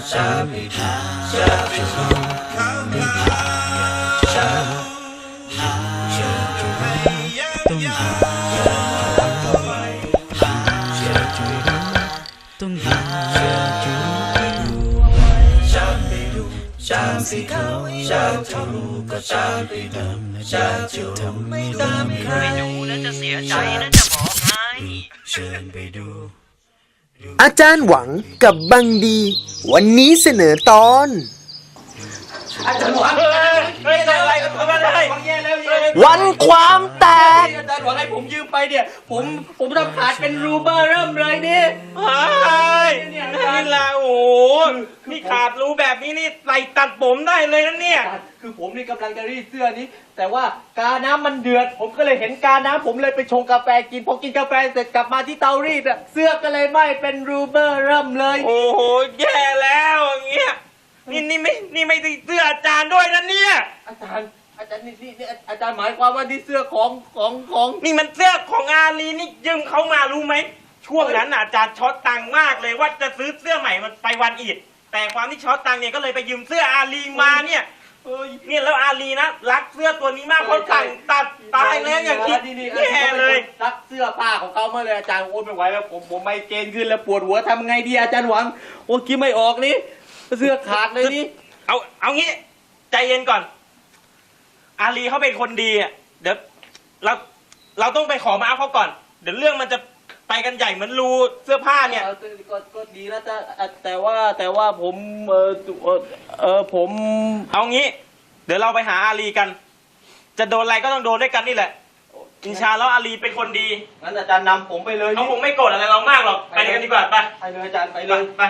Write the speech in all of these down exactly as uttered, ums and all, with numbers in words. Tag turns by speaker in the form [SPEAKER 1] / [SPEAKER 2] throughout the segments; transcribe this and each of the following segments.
[SPEAKER 1] สิเขาอยากจะรู้ก็จะไปดูอยากจะทำไม่ตามใครไปดูแล้วจะเสียใจนะจะบอกให้เชิญไปดู
[SPEAKER 2] อาจารย์หวังกับบังดีวันนี้เสนอตอน
[SPEAKER 1] อาจารย์หวังเฮ้ยอะไรกันทำอะไร
[SPEAKER 2] วันความแตก
[SPEAKER 1] อาจารย์หวังให้ผมยืมไปเนี่ยผมผมทำขาดเป็นรูเบอร์เริ่มเลยนี่
[SPEAKER 3] เฮ้ยนี่ละโอ้นี่ขาดรูแบบนี้นี่ใส่ตัดผมได้เลยนะเนี่ย
[SPEAKER 1] คือผมนี่กำลังจะรีดเสื้อนี้แต่ว่ากาน้ำมันเดือดผมก็เลยเห็นกาน้ำผมเลยไปชงกาแฟกินพอกินกาแฟเสร็จกลับมาที่เตารีดอะเสื้อก็เลยไหม้เป็นรูเบอร์เริ่มเลย
[SPEAKER 3] โอ้โหแย่แล้วอย่างเงี้ยนี่นี่ไม่นี่ไม่ใช่เสื้ออาจารย์ด้วยนะเนี่ย
[SPEAKER 1] อาจารย์อาจารย์นี่นี่อาจารย์หมายความว่านี่เสื้อของของของ
[SPEAKER 3] นี่มันเสื้อของอาลีนี่ยืมเขามารู้ไหมช่วงนั้นอาจารย์ช็อตตังค์มากเลยว่าจะซื้อเสื้อใหม่มันไปวันอีดแต่ความที่ช็อตตังค์เนี่ยก็เลยไปยืมเสื้ออาลีมาเนี่ยเนี่ยแล้วอาลีนะรักเสื้อตัวนี้มากเขาสั่งตัดตายแล้วอย่างนี้แย่เลย
[SPEAKER 1] รักเสื้อผ้าของเขามาเลยอาจารย์โอ้ไม่ไหวแล้วผมผมไม่เกณฑ์ขึ้นแล้วปวดหัวทำไงดีอาจารย์หวังโอ้คิดไม่ออกนี่เสื้อขาดเลยนี่
[SPEAKER 3] เอาเอางี้ใจเย็นก่อนอาลีเขาเป็นคนดีอ่ะเดี๋ยวเราเราต้องไปขอมาเอาเขาก่อนเดี๋ยวเรื่องมันจะไปกันใหญ่เหมือนรูเสื้อผ้าเนี่ย
[SPEAKER 1] ก็ก็ดีแล้วแต่แต่ว่าแต่ว่าผมเออเออผม
[SPEAKER 3] เอางี้เดี๋ยวเราไปหาอาลีกันจะโดนอะไรก็ต้องโดนด้วยกันนี่แหละอินชาแล้วอาลีเป็นคนดี
[SPEAKER 1] งั้นอาจารย์นำผมไปเลย
[SPEAKER 3] เขาคงไม่โกรธอะไรเรามากหรอกไปกันดีกว่าไป
[SPEAKER 1] ไปเลยอาจารย์ไปเลย
[SPEAKER 3] ไป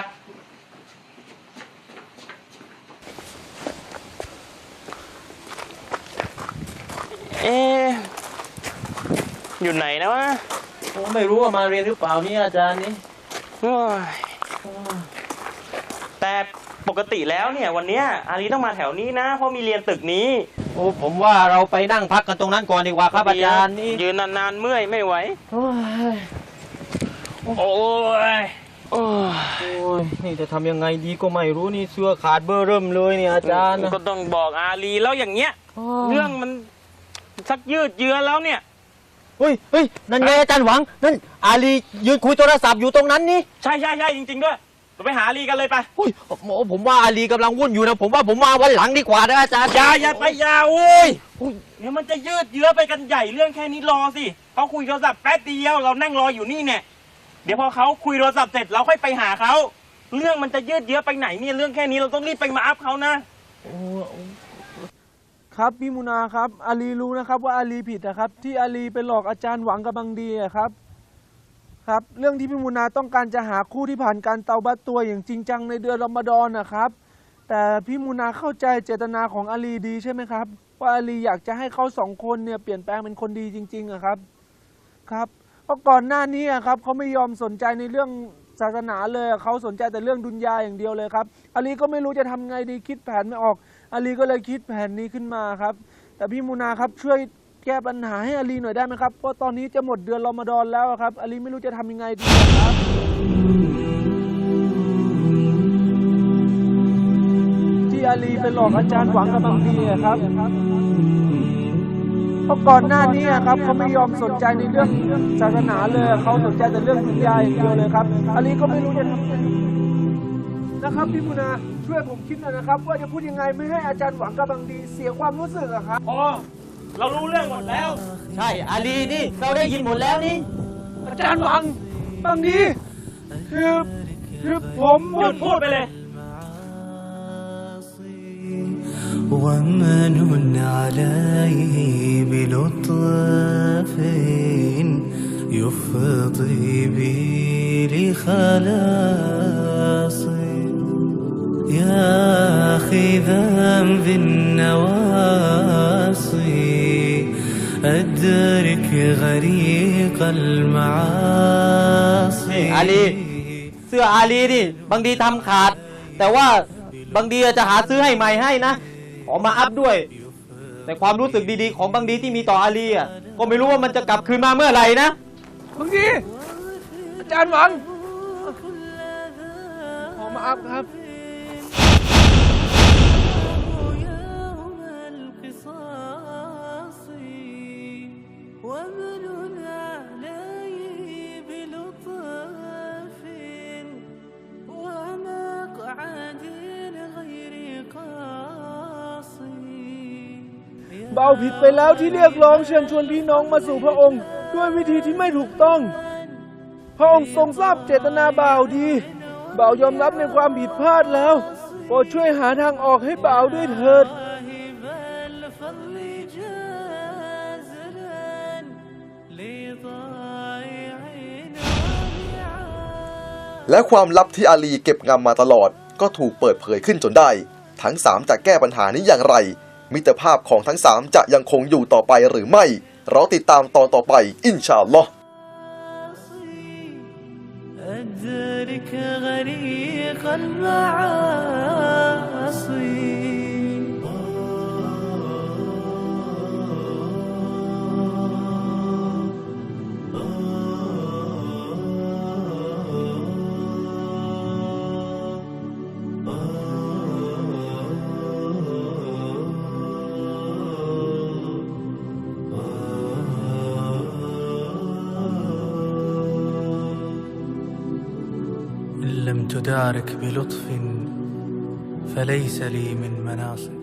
[SPEAKER 3] เอ๊ะอยู่ไหนนะวะ
[SPEAKER 1] ผมไม่รู้ว่ามาเรียนหรือเปล่านี่อาจารย์นี่
[SPEAKER 3] แต่ปกติแล้วเนี่ยวันนี้อาลีต้องมาแถวนี้นะเพราะมีเรียนตึกนี้
[SPEAKER 1] โอ้ผมว่าเราไปนั่งพักกันตรงนั้นก่อนดีกว่าครับอาจารย์นี่
[SPEAKER 3] ยืนนานๆเมื่อยไม่ไหวโอ้ยโอ้ยโอ้
[SPEAKER 1] ยนี่จะทำยังไงดีก็ไม่รู้นี่เสื้อขาดเบอร์เริ่มเลยเนี่ยอาจารย์
[SPEAKER 3] ก็ต้องบอกอาลีแล้วอย่างเงี้ยเรื่องมันสักยืดเยื้อแล้วเนี่ย
[SPEAKER 1] เฮ้ยเฮ้ยนั่นไงอาจารย์หวังนั่นอาลียืนคุยโทรศัพท์อยู่ตรงนั้นนี่
[SPEAKER 3] ใช่ใช่ใช่จริงๆด้วยเราไปหาอาลีกันเลยไป
[SPEAKER 1] โอ้ยผมว่าอาลีกำลังวุ่นอยู่นะผมว่าผมมาวันหลังดีกว่านะอาจารย์
[SPEAKER 3] อย่าอย่าไปอย่าโอ้ยเดี๋ยวมันจะยืดเยื้อไปกันใหญ่เรื่องแค่นี้รอสิเขาคุยโทรศัพท์แป๊บเดียวเรานั่งรออยู่นี่เนี่ยเดี๋ยวพอเขาคุยโทรศัพท์เสร็จเราค่อยไปหาเขาเรื่องมันจะยืดเยื้อไปไหนเนี่ยเรื่องแค่นี้เราต้องรีบไปมาอัพเขานะครับ
[SPEAKER 4] พี่มุนาครับอาลีรู้นะครับว่าอาลีผิดนะครับที่อาลีไปหลอกอาจารย์หวังกับบังดีครับครับเรื่องที่พี่มุนาต้องการจะหาคู่ที่ผ่านการเตาบัตตัวอย่างจริงจังในเดือนรอมฎอนนะครับแต่พี่มุนาเข้าใจเจตนาของอาลีดีใช่ไหมครับว่าอาลีอยากจะให้เขาสองคนเนี่ยเปลี่ยนแปลงเป็นคนดีจริงๆอะครับครับเพราะก่อนหน้านี้ครับเขาไม่ยอมสนใจในเรื่องศาสนาเลยเขาสนใจแต่เรื่องดุนยาอย่างเดียวเลยครับอาลีก็ไม่รู้จะทำไงดีคิดแผนไม่ออกอาลีก็เลยคิดแผนนี้ขึ้นมาครับแต่พี่มูนาครับช่วยแก้ปัญหาให้อาลีหน่อยได้ไหมครับเพราะตอนนี้จะหมดเดือนรอมฎอนแล้วครับอาลีไม่รู้จะทำยังไงดีครับที่อาลีไปหลอกอาจารย์หวังกับบังดีครับเพราะก่อนหน้านี้ครับเขาไม่ยอมสนใจในเรื่องศาสนาเลยเขาสนใจแต่เรื่องดุนยาอย่างเดียวเลยครับอาลีก็ไม่รู้จะทำยังไงนะครับพี่มุนาช่วยผมคิดหน่อยนะครับว่าจะพูดยังไงไม่ให้อาจารย์หวังกับบังดีเสียความรู้สึกอะครับ
[SPEAKER 3] อ๋อเรารู้เรื่องหมดแล้ว
[SPEAKER 1] ใช่อาลีนี่เราได้ยินหมดแล้วนี่
[SPEAKER 4] อาจารย์หวังบังดีคือคือผม
[SPEAKER 3] หยุดพูดไปเลย
[SPEAKER 5] ومن عليه بلطف يفضي بي لخلاصي يا أخي ذنبي النواصي أدرك غريق المعاصي
[SPEAKER 1] อาลีเสื้ออาลีนี่บางดีทำขาดแต่ว่าบางดีจะหาซื้อให้ใหม่ให้นะขอมาอัพด้วยแต่ความรู้สึกดีๆของบางดีที่มีต่ออาลีอ่ะก็ไม่รู้ว่ามันจะกลับคืนมาเมื่อไหร่นะ
[SPEAKER 4] บางดีอาจารย์หวังขอมาอัพครับขเบาผิดไปแล้วที่เรียกร้องเชิญชวนพี่น้องมาสู่พระองค์ด้วยวิธีที่ไม่ถูกต้อง พระองค์ทรงทราบเจตนาบ่าวดีบ่าวยอมรับในความผิดพลาดแล้วโปรดช่วยหาทางออกให้บ่าวด้วยเถิด
[SPEAKER 6] และความลับที่อาลีเก็บงำมาตลอดก็ถูกเปิดเผยขึ้นจนได้ทั้งสามจะแก้ปัญหานี้อย่างไรมิตรภาพของทั้งสามจะยังคงอยู่ต่อไปหรือไม่เราติดตามตอนต่อไปอินชาอัลลอฮ์
[SPEAKER 5] أدرك غريق المعاصي إن لم تدارك بلطف فليس لي من مناصب